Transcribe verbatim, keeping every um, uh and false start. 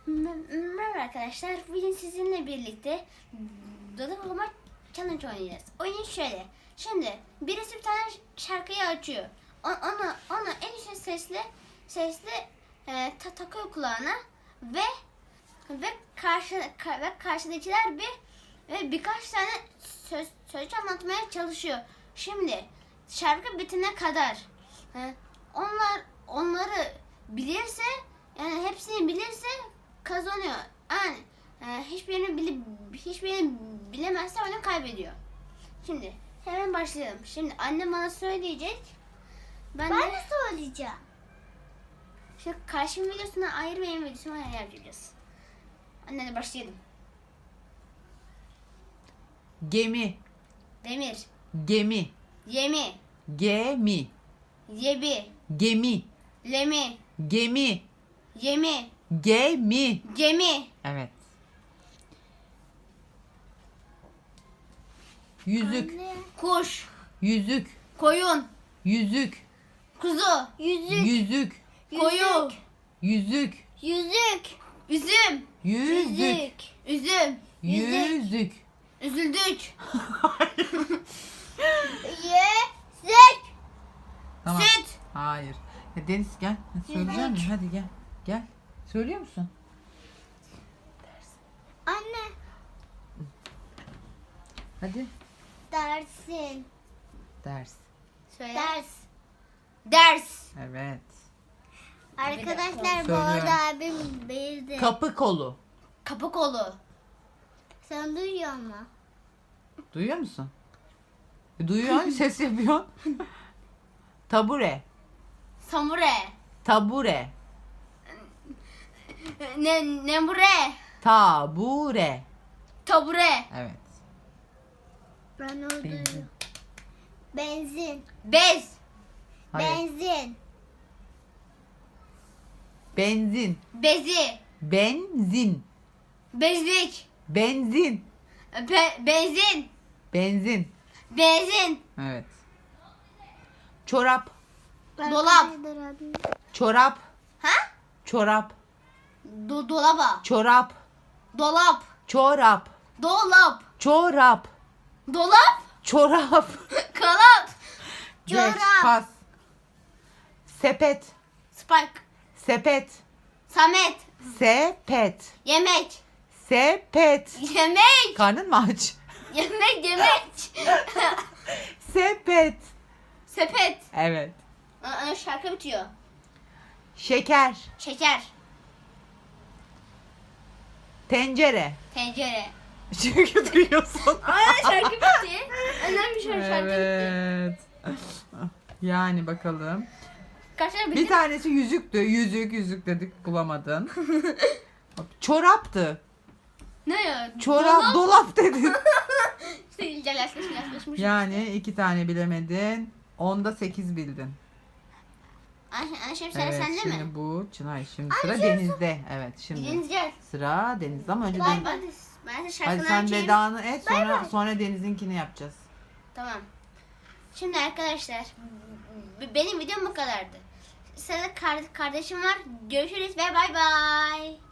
Merhaba arkadaşlar. Bugün sizinle birlikte Dolap Okuma Challenge oynayacağız. Oyun şöyle. Şimdi birisi bir tane şarkıyı açıyor. O- Onu onu en yüksek sesle sesle e, ta- takıyor kulağına ve ve karşı ka- ve karşıdakiler bir ve birkaç tane söz söz anlatmaya çalışıyor. Şimdi şarkı bitene kadar e, onlar onları bilirse, yani hepsini bilirse kazanıyor. Yani e, hiçbirini bile hiçbirini bilemezse oyunu kaybediyor. Şimdi hemen başlayalım. Şimdi annem bana söyleyecek. Ben, Ben de, de söyleyeceğim. şimdi karşım videosuna ayrı, benim videosuna ayrı yapacağız. Anne de başlayalım. Gemi, Demir, gemi, yemi, gemi, yebi, gemi, lemi, gemi, yemi, gemi. gemi, Evet. Yüzük, Anne. kuş, yüzük, koyun, yüzük, kuzu, Yüzük. yüzük, koyu, yüzük, Yüzük. üzüm, yüzük, üzüm, yüzük. üzüldük, Yüzük. Tamam. süt, Hayır. Ya Deniz gel. Söyleyecek misin? Hadi gel. Gel. Söylüyor musun? Anne. Hadi. Dersin. Ders. söyle. Ders. Ders, Evet. Arkadaşlar bu Söylüyorum. arada abim bildi. Kapı kolu. kapı kolu, Sen duyuyor musun? Duyuyor musun? E, Duyuyor. Ses yapıyor. Tabure. samure, Tabure. ne nemure, Tabure. tabure, Evet. Ben onu Benzin. duyuyorum. Benzin. bez, Hayır. Benzin. Benzin. bezi, Benzin. bezlik, Benzin. be- benzin, Benzin. benzin, Evet. Çorap. Dolap. Arkadaşlar abim- Çorap. ha? Çorap. Do- dolaba, Çorap. dolap, Çorap. dolap, Çorap. dolap, Çorap. kalap, Geç, Çorap. pas. Sepet. spike, Sepet. samet, Sepet. yemek, Sepet. yemek, Karnın mı aç? yemek, yemek, Sepet. sepet. Evet. Aa, şarkı bitiyor. Şeker. Şeker, Tencere. tencere. Çünkü duyuyorsun. Aa, şarkı bitti. Önemli bir şey, şarkı bitti. Evet. Yani bakalım. Kaç tane Bir bitti? tanesi yüzüktü. Yüzük, yüzük dedik bulamadın. Çoraptı. Ne ya? Çorap, Dolap. dolap dedin. İşte yalaşmış, yalaşmış. Yani iki tane bilemedin. Onda sekiz bildin. Ayşe, Ayşe sıra Evet, sende şimdi mi? bu Çınar. Şimdi sıra Deniz'de. Evet, şimdi Deniz gel. sıra Deniz'de ama önce Bay Deniz. bay. Ben de Hadi şarkını sen açayım. vedanı et, sonra bay. sonra Deniz'inkini yapacağız. Tamam. Şimdi arkadaşlar b- benim videom bu kadardı. Sırada kar- kardeşim var. Görüşürüz ve bay bay.